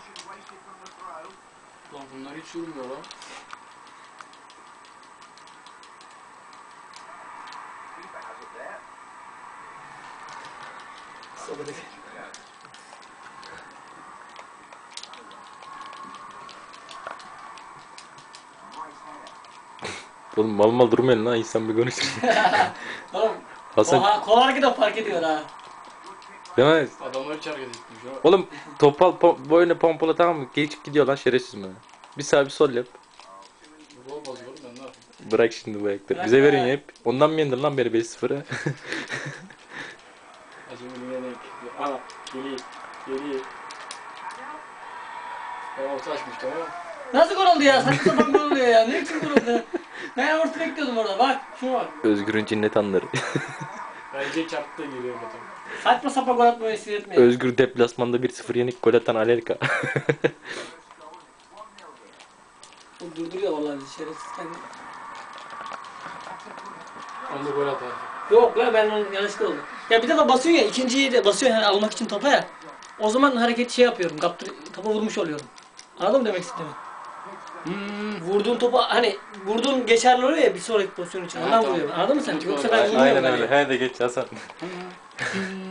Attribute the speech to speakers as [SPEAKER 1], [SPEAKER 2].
[SPEAKER 1] Lan bunlar hiç yürümüyor lan.
[SPEAKER 2] Oğlum mal mal durmayın lan, insan bir konuşur.
[SPEAKER 3] Oğlum
[SPEAKER 2] Hasan
[SPEAKER 3] kolarken de fark ediyor ha.
[SPEAKER 2] değil mi?
[SPEAKER 1] Adamlar hiç hareket etmiş ha.
[SPEAKER 2] Oğlum boyuna pompala, tamam mı? Geçip gidiyor lan şerefsiz mi? Bir sağ bir sol yap.
[SPEAKER 1] Bu olmaz oğlum, ben ne yapayım?
[SPEAKER 2] Bırak şimdi bu ayakları.
[SPEAKER 3] Bırak
[SPEAKER 2] Bize
[SPEAKER 3] be.
[SPEAKER 2] verin ya hep. Ondan mı yendin lan beni 5-0'a?
[SPEAKER 1] Acımın yenek. Ana geliyor. Geliyor. Ben orta açmış, tamam mı?
[SPEAKER 3] Nasıl gol oldu ya? Saçma sapan gol oluyor ya. Ne için gol oldu? Ben orta bekliyordum orada. Bak şuna bak.
[SPEAKER 2] Özgür'ün cinnet anları.
[SPEAKER 1] Bence çarptı da geliyor zaten.
[SPEAKER 3] Saçma sapan gol atmayı sinirletmeyin.
[SPEAKER 2] Özgür deplasmanda 1-0 yenik gol atan Alelka.
[SPEAKER 3] O durduruyor vallahi bizi şerefsiz kendi.
[SPEAKER 1] Onda gol atar.
[SPEAKER 3] Yok la ben onun yanlışlıkla oldu. Ya bir defa basıyorsun ya, ikinciyi de basıyorsun yani almak için topa ya. O zaman hareket şey yapıyorum, topa vurmuş oluyorum. Anladın mı demek istediğimi? Vurduğun topa hani vurduğun geçerli oluyor ya bir sonraki pozisyon için. Ondan
[SPEAKER 1] tamam.
[SPEAKER 3] vuruyorum. Anladın mı sen?
[SPEAKER 1] Kötü
[SPEAKER 3] Yoksa
[SPEAKER 1] oldu.
[SPEAKER 3] ben vurmuyorum.
[SPEAKER 2] Aynen
[SPEAKER 3] hani.
[SPEAKER 2] öyle. He de geç Hasan.